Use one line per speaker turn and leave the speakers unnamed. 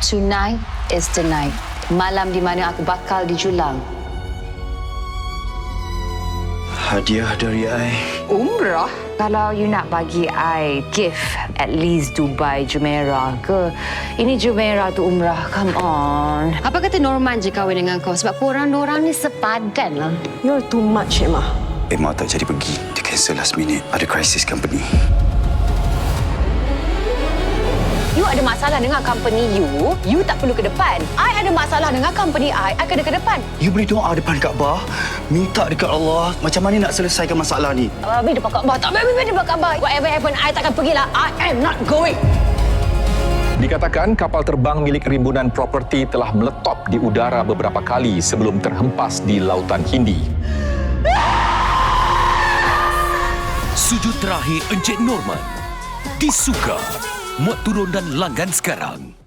Tonight is the night. Malam di mana aku bakal dijulang.
Hadiah dari I.
Umrah? Kalau you nak bagi I gift, at least Dubai Jumeirah ke? Ini Jumeirah tu umrah, come on.
Apa kata Norman je kahwin dengan kau? Sebab korang ni sepadan lah.
You're too much, Emma.
Emma tak jadi pergi. Dia cancel last minute. Ada krisis company.
You ada masalah dengan company you tak perlu ke depan. I ada masalah dengan company I kena ke depan.
You boleh doa depan Kaabah. Minta dekat Allah. Macam mana nak selesaikan masalah ni?
Babi depan Kaabah. Tak babi depan Kaabah. Whatever happen, I takkan pergilah. I am not going.
Dikatakan kapal terbang milik rimbunan properti telah meletop di udara beberapa kali sebelum terhempas di Lautan Hindi.
Sujud terakhir Encik Norman. Disuka. Muat turun dan langgan sekarang.